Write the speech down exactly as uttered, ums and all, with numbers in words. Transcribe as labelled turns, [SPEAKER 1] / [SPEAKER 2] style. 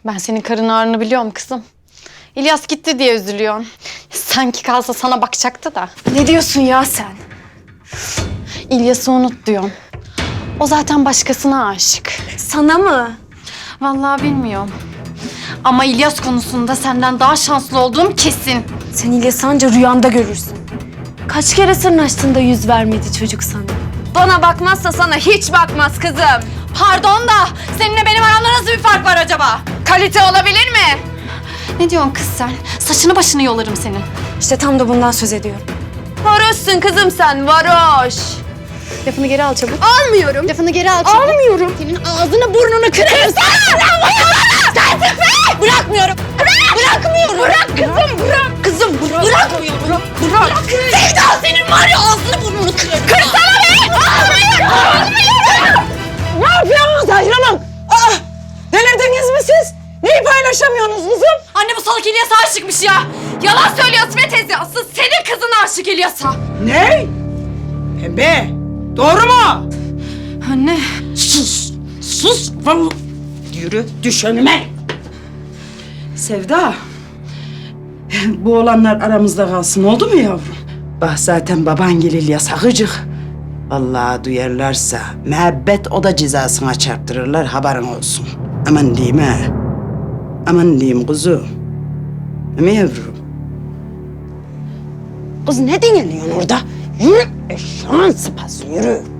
[SPEAKER 1] Ben senin karın ağrını biliyorum kızım. İlyas gitti diye üzülüyorsun. Sanki kalsa sana bakacaktı da.
[SPEAKER 2] Ne diyorsun ya sen?
[SPEAKER 1] İlyas'ı unut diyorum. O zaten başkasına aşık.
[SPEAKER 2] Sana mı?
[SPEAKER 1] Vallahi bilmiyorum. Ama İlyas konusunda senden daha şanslı olduğum kesin.
[SPEAKER 2] Sen İlyas'ı anca rüyanda görürsün. Kaç kere sırnaştığında yüz vermedi çocuk sana. Bana bakmazsa sana hiç bakmaz kızım.
[SPEAKER 1] Pardon da seninle benim aramda nasıl bir fark var acaba?
[SPEAKER 2] Kalite olabilir mi?
[SPEAKER 1] Ne diyorsun kız sen? Saçını başını yolarım senin.
[SPEAKER 2] İşte tam da bundan söz ediyorum. Varoşsun kızım sen, varoş.
[SPEAKER 1] Lafını geri al çabuk.
[SPEAKER 2] Almıyorum.
[SPEAKER 1] Lafını geri al çabuk.
[SPEAKER 2] Almıyorum.
[SPEAKER 1] Senin ağzını burnunu kırarım.
[SPEAKER 2] Bırakmıyorum. Bırak. Bırakmıyorum. Bırak kızım, bırak. Kızım bırak. Bırakmıyorum. Bırak. Bırak. Sevda senin var ya ağzını burnunu kırarım. Kırsana be. Almıyorum. Almıyorum.
[SPEAKER 3] Ne yapıyorsunuz Zahir Hanım? Aa, delirdiniz mi siz? Neyi paylaşamıyorsunuz kızım?
[SPEAKER 1] Anne bu salak İlyas'a aşıkmış ya. Yalan söylüyorsun be teyze. Asıl senin kızın aşık İlyas'a.
[SPEAKER 3] Ne? Pembe, doğru mu?
[SPEAKER 1] Anne.
[SPEAKER 3] Sus, sus. Vallahi. Yürü, düş önüme. Sevda, bu olanlar aramızda kalsın oldu mu yavrum? Bak zaten baban gelir yasakıcık. Vallahi duyarlarsa müebbet o da cezasına çarptırırlar haberin olsun. Aman diyeyim ha. Aman diyeyim kuzum. Değil mi yavrum? Kız ne dinleniyorsun orada? Yürü eşeğin sıpası yürü.